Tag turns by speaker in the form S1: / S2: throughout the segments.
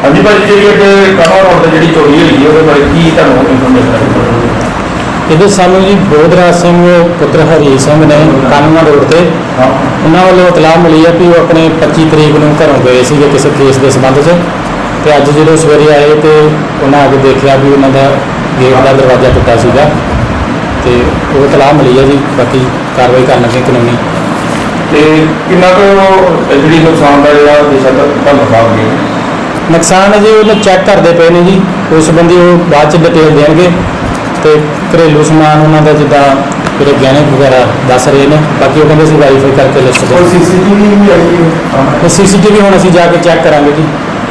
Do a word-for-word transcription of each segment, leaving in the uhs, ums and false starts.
S1: हाँ जी भाई जी कमा रोड से जी चोरी हुई है बारे की इन्फॉर्मेशन
S2: ਇਹਦੇ ਸਾਨੂੰ ਜੀ ਬੋਧਰਾਜ ਸਿੰਘ ਪੁੱਤਰ ਹਰੀ ਸਿੰਘ ਨੇ ਕਾਨੂੰਨਾ ਰੋਡ ਤੇ ਉਹਨਾਂ ਵੱਲੋਂ ਇਤਲਾਹ ਮਿਲੀ ਹੈ ਕਿ ਉਹ ਆਪਣੇ ਪੱਚੀ ਤਰੀਕ ਨੂੰ ਘਰੋਂ ਗਏ ਸੀਗੇ ਕਿਸੇ ਕੇਸ ਦੇ ਸੰਬੰਧ 'ਚ ਤੇ ਅੱਜ ਜਦੋਂ ਸਵੇਰੇ ਆਏ ਤੇ ਉਹਨਾਂ ਆ ਕੇ ਦੇਖਿਆ ਵੀ ਉਹਨਾਂ ਦਾ ਗੇਟ ਦਾ ਦਰਵਾਜ਼ਾ ਟੁੱਟਾ ਸੀਗਾ ਤੇ ਉਹ ਇਤਲਾਹ ਮਿਲੀ ਹੈ ਜੀ। ਬਾਕੀ ਕਾਰਵਾਈ ਕਰਨ ਲੱਗੇ ਕਾਨੂੰਨੀ।
S1: ਤੇ ਕਿੰਨਾ ਕੁ ਜਿਹੜੀ ਨੁਕਸਾਨ ਦਾ ਜਿਹੜਾ ਦਿਸ਼ਾ ਦਾ ਤੁਹਾਨੂੰ ਸਾਫ ਗਿਆ
S2: ਨੁਕਸਾਨ ਹੈ ਜੀ ਉਹਨੂੰ ਚੈੱਕ ਕਰਦੇ ਪਏ ਨੇ ਜੀ। ਉਸ ਸੰਬੰਧੀ ਉਹ ਬਾਅਦ 'ਚ ਡਿਟੇਲ ਦੇਣਗੇ ਤੇ ਘਰੇਲੂ ਸਮਾਨ ਉਹਨਾਂ ਦਾ ਜਿੱਦਾਂ ਜਿਹੜੇ ਗਹਿਣੇ ਵਗੈਰਾ ਦੱਸ ਰਹੇ ਨੇ। ਬਾਕੀ ਉਹ ਕਹਿੰਦੇ ਸੀ ਵੈਰੀਫਾਈ ਕਰਕੇ ਲਿਸਟ ਦੇ
S1: और सीसीटीवी भी आई है
S2: ਤੇ ਸੀਸੀਟੀਵੀ ਹੁਣ ਅਸੀਂ ਜਾ ਕੇ ਚੈੱਕ ਕਰਾਂਗੇ ਜੀ।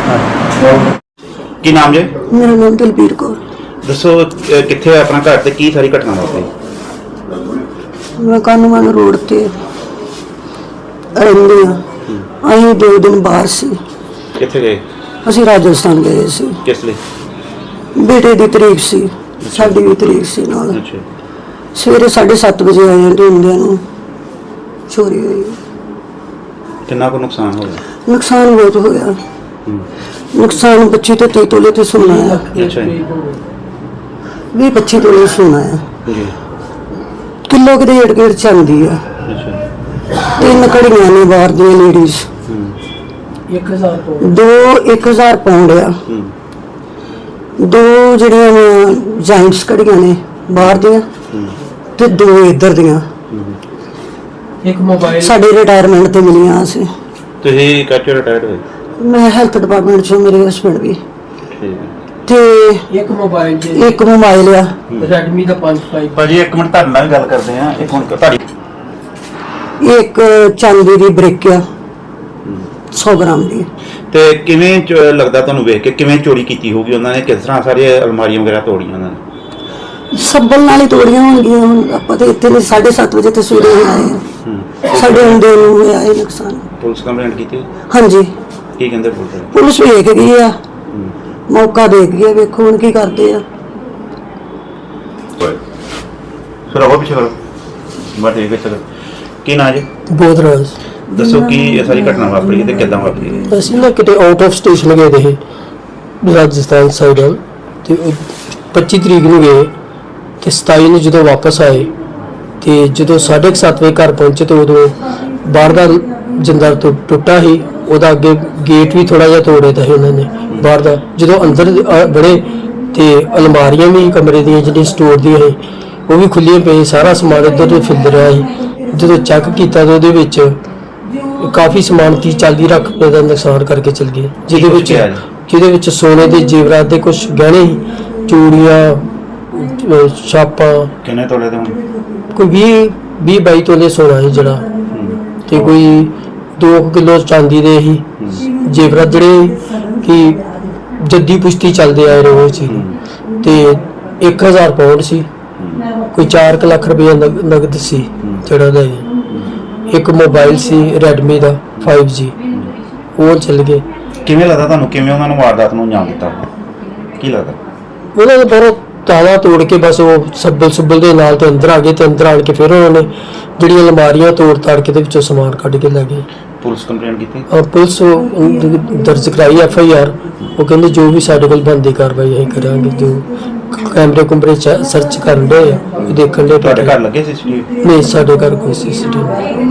S3: ਕੀ ਨਾਮ ਜੀ?
S4: ਮੇਰਾ ਨਾਮ ਦਲਬੀਰ ਕੌਰ।
S3: ਦੱਸੋ ਅਹ ਕਿੱਥੇ ਹੋਇਆ ਆਪਣਾ ਘਰ ਤੇ ਕੀ ਸਾਰੀ ਘਟਨਾ ਵਾਪਰੀ?
S4: ਮੈਂ ਕਾਨੂੰਨ ਰੋਡ ਤੇ ਰਹਿੰਦੀ ਹਾਂ। ਅਸੀਂ ਦੋ ਦਿਨ ਬਾਹਰ ਸੀ।
S3: ਕਿੱਥੇ ਗਏ?
S4: ਅਸੀਂ ਰਾਜਸਥਾਨ ਗਏ ਸੀ।
S3: ਕਿਸ ਲਈ?
S4: ਬੇਟੇ ਦੀ ਤਰੀਕ ਸੀ, ਸਾਡੀ ਵੀ ਤਰੀਕ ਸੀ ਨਾਲ।
S3: ਅੱਛਾ।
S4: ਸਵੇਰੇ ਸਾਢੇ ਸੱਤ ਵਜੇ ਆਏ ਹਾਂ ਤੇ ਹੁੰਦਿਆਂ ਨੂੰ ਚੋਰੀ ਹੋਈ।
S3: ਕਿੰਨਾ ਕੁ ਨੁਕਸਾਨ ਹੋਇਆ?
S4: ਨੁਕਸਾਨ ਬਹੁਤ ਹੋਇਆ।
S3: ਹੂੰ।
S4: ਨੁਕਸਾਨ ਪੱਚੀ ਤੋਂ ਤੀਹ ਤੋਲੇ ਤੇ ਸੋਨਾ ਹੈ।
S3: ਅੱਛਾ ਜੀ।
S4: ਵੀਹ ਪੱਚੀ ਤੋਲੇ ਸੋਨਾ ਹੈ।
S3: ਜੀ।
S4: ਕਿਲੋ ਕਿਤੇ ਏੜ ਗੇੜ ਚਾਂਦੀ ਆ।
S3: ਅੱਛਾ।
S4: ਤਿੰਨ ਘੜੀਆਂ ਨੇ ਬਾਹਰ ਦੀਆਂ ਲੇਡੀਜ਼।
S3: ਹੂੰ।
S4: ਦੋ ਇੱਕ ਹਜ਼ਾਰ ਪਾਉਂਡ ਆ।
S3: ਹੂੰ।
S4: ਦੋ ਜਿਹੜੀਆਂ ਜਾਇੰਟਸ ਘੜੀਆਂ ਨੇ ਬਾਹਰ ਦੀਆਂ
S3: ਹੂੰ।
S4: ਤੇ ਦੋ ਇੱਧਰ ਦੀਆਂ।
S2: ਇੱਕ ਮੋਬਾਈਲ
S4: ਸਾਡੇ ਰਿਟਾਇਰਮੈਂਟ ਤੇ ਮਿਲੀਆਂ ਸੀ।
S3: ਤੁਸੀਂ ਕੱਚੇ ਰਿਟਾਇਰਡ ਹੋਏ?
S4: ਮੈਂ ਹੈਲਥ ਡਿਪਾਰਟਮੈਂਟ ਚੋਂ, ਮੇਰੇ ਹਸਬੰਡ ਵੀ।
S3: ਠੀਕ ਹੈ।
S4: ਤੇ
S2: ਇੱਕ ਮੋਬਾਈਲ ਜੀ
S4: ਇੱਕ ਮੋਬਾਈਲ ਆ।
S2: ਰੈਡਮੀ ਦਾ ਪੰਜ ਫਾਈਵ।
S3: ਭਾਜੀ ਇੱਕ ਮਿੰਟ ਤੁਹਾਡੇ ਨਾਲ ਵੀ ਗੱਲ ਕਰਦੇ ਆ। ਇੱਕ ਹੁਣ ਤੁਹਾਡੀ
S4: ਇੱਕ ਚਾਂਦੀ ਦੀ ਬ੍ਰਿਕ ਆ ਸੌ ਗ੍ਰਾਮ ਦੀ।
S3: ਤੇ ਕਿਵੇਂ ਚ- ਲੱਗਦਾ ਤੁਹਾਨੂੰ ਵੇਖ ਕੇ ਕਿਵੇਂ ਚੋਰੀ ਕੀਤੀ ਹੋਊਗੀ ਉਹਨਾਂ ਨੇ? ਕਿਸ ਤਰ੍ਹਾਂ ਸਾਰੀਆਂ ਅਲਮਾਰੀਆਂ ਵਗੈਰਾ ਤੋੜੀਆਂ ਉਹਨਾਂ ਨੇ?
S4: ਸੱਬਲ ਨਾਲ ਹੀ ਤੋੜੀਆਂ ਹੋਣਗੀਆਂ। ਹੁਣ ਆਪਾਂ ਤੇ ਇੱਥੇ ਨਹੀਂ, ਸਾਢੇ ਸੱਤ ਵਜੇ ਤੇ ਸਵੇਰੇ ਹੀ ਆਏ ਆ।
S3: ਹੂੰ।
S4: ਸਾਡੇ ਹੁੰਦੇ ਨੂੰ ਹੋਇਆ ਇਹ ਨੁਕਸਾਨ।
S3: ਪੁਲਿਸ ਕੰਪਲੇਂਟ ਕੀਤੀ?
S4: ਹਾਂਜੀ,
S3: ਕੀ ਕਹਿੰਦੇ ਪੁਲਿਸ?
S4: ਪੁਲਿਸ ਵੇਖ ਗਈ ਆ,
S3: ਹੂੰ।
S4: ਮੌਕਾ ਦੇਖ ਗਈ ਆ। ਵੇਖੋ ਹੁਣ ਕੀ ਕਰਦੇ ਆ।
S3: ਫਿਰ ਉਹ ਪਿੱਛੇ ਕਰੋ। ਮੈਂ ਠੀਕ ਹੈ ਚਲੋ। ਕੀ ਨਾਂ ਜੀ?
S5: ਬੋਧਰਾਜ।
S3: ਦੱਸੋ ਕੀ ਇਹ ਸਾਰੀ ਘਟਨਾ ਵਾਪਰੀ ਤੇ ਕਿੱਦਾਂ ਵਾਪਰੀ?
S5: ਅਸੀਂ ਨਾ ਕਿਤੇ ਆਊਟ ਆਫ ਸਟੇਸ਼ਨ ਗਏ ਦੇ ਰਾਜਸਥਾਨ ਸਾਈਡ ਵੱਲ ਤੇ ਉਹ ਪੱਚੀ ਤਰੀਕ ਨੂੰ ਗਏ ਤੇ ਸਤਾਈ ਨੂੰ ਜਦੋਂ ਵਾਪਸ ਆਏ ਤੇ ਜਦੋਂ ਸਾਢੇ ਕੁ ਸੱਤ ਵਜੇ ਘਰ ਪਹੁੰਚੇ ਤੇ ਉਦੋਂ ਬਾਹਰ ਦਾ ਜਿੰਦਾ ਟੁ- ਟੁੱਟਾ ਸੀ। ਉਹਦਾ ਅੱਗੇ ਗੇਟ ਵੀ ਥੋੜਾ ਜਿਹਾ ਤੋੜੇ ਦਾ ਸੀ ਉਹਨਾਂ ਨੇ ਬਾਹਰ ਦਾ। ਜਦੋਂ ਅੰਦਰ ਅ, ਬੜੇ ਤੇ ਅਲਮਾਰੀਆਂ ਵੀ ਕਮਰੇ ਦੀਆਂ ਜਿਹੜੀਆਂ ਸਟੋਰ ਦੀਆਂ ਸੀ ਉਹ ਵੀ ਖੁੱਲੀਆਂ ਪਈ। ਸਾਰਾ ਸਮਾਨ ਇੱਧਰ ਉੱਧਰ ਫਿਰਦ ਰਿਹਾ ਸੀ। ਜਦੋਂ ਚੈੱਕ ਕੀਤਾ ਤਾਂ ਉਹਦੇ ਵਿੱਚ ਕਾਫੀ ਸਮਾਨ ਤੀਹ ਚਾਲੀ ਲੱਖ ਰੁਪਏ ਦਾ ਨੁਕਸਾਨ ਕਰਕੇ ਚਲ ਗਏ, ਜਿਹਦੇ ਵਿੱਚ ਜਿਹਦੇ ਵਿੱਚ ਸੋਨੇ ਦੇ ਜੇਵਰਾਤ ਦੇ ਕੁਝ ਗਹਿਣੇ ਸੀ, ਚੂੜੀਆਂ, ਅਹ ਛਾਪਾਂ।
S3: ਕਿੰਨੇ ਤੋਲੇ ਦੇ ਹੁਣ?
S5: ਕੋਈ ਵੀਹ ਵੀਹ ਬਾਈ ਤੋਲੇ ਸੋਨਾ ਸੀ ਜਿਹੜਾ, ਤੇ ਕੋਈ ਦੋ ਕਿਲੋ ਚਾਂਦੀ ਦੇ ਸੀ ਜੇਵਰਾਤ ਜਿਹੜੇ ਕਿ ਜੱਦੀ ਪੁਸ਼ਤੀ ਚੱਲਦੇ ਆਏ ਰਹੇ ਸੀ। ਤੇ ਇੱਕ ਹਜ਼ਾਰ ਪਾਉਂਡ ਸੀ। ਕੋਈ ਚਾਰ ਕੁ ਲੱਖ ਰੁਪਏ ਨਗਦ ਸੀ ਜਿਹੜਾ ਦਾ। ਇੱਕ ਮੋਬਾਈਲ ਸੀ ਰੈਡਮੀ ਦਾ ਫਾਈਵ ਜੀ, ਉਹ ਚੱਲ ਗਏ।
S3: ਕਿਵੇਂ ਲੱਗਦਾ ਤੁਹਾਨੂੰ ਕਿਵੇਂ ਉਹਨਾਂ ਨੂੰ ਵਾਰਦਾਤ ਨੂੰ ਅੰਜਾਮ ਦਿੱਤਾ? ਕੀ ਲੱਗਦਾ?
S5: ਉਹਨਾਂ ਨੇ ਬਹੁਤ ਤਾਲਾ ਤੋੜ ਕੇ ਬਸ ਉਹ ਸੱਬਲ ਸੁੱਬਲ ਦੇ ਨਾਲ ਤੇ ਅੰਦਰ ਆ ਗਏ ਤੇ ਅੰਦਰ ਆਣ ਕੇ ਫਿਰ ਉਹਨਾਂ ਨੇ ਜਿਹੜੀਆਂ ਅਲਮਾਰੀਆਂ ਤੋੜ ਤਾੜ ਕੇ ਦੇ ਵਿੱਚੋਂ ਸਮਾਨ ਕੱਢ ਕੇ ਲੈ ਗਏ।
S3: ਪੁਲਿਸ ਕੰਪਲੇਂਟ ਕੀਤੀ?
S5: ਅਹ ਪੁਲਿਸ ਉਹ ਦਰਜ ਕਰਾਈ ਐਫ ਆਈ ਆਰ। ਉਹ ਕਹਿੰਦੇ ਜੋ ਵੀ ਸਾਡੇ ਕੋਲ ਬਣਦੀ ਕਾਰਵਾਈ ਅਸੀਂ ਕਰਾਂਗੇ। ਜੋ ਕੈਮਰੇ ਕੁਮਰੇ ਸਰਚ ਕਰਨ ਦੇ ਦੇਖਣ ਦੇ।
S3: ਤੁਹਾਡੇ ਘਰ ਲੱਗੇ ਸੀ ਸੀਸੀਟੀਵੀ?
S5: ਨਹੀਂ, ਸਾਡੇ ਘਰ ਕੋਈ ਸੀ ਸੀ ਟੀ ਵੀ।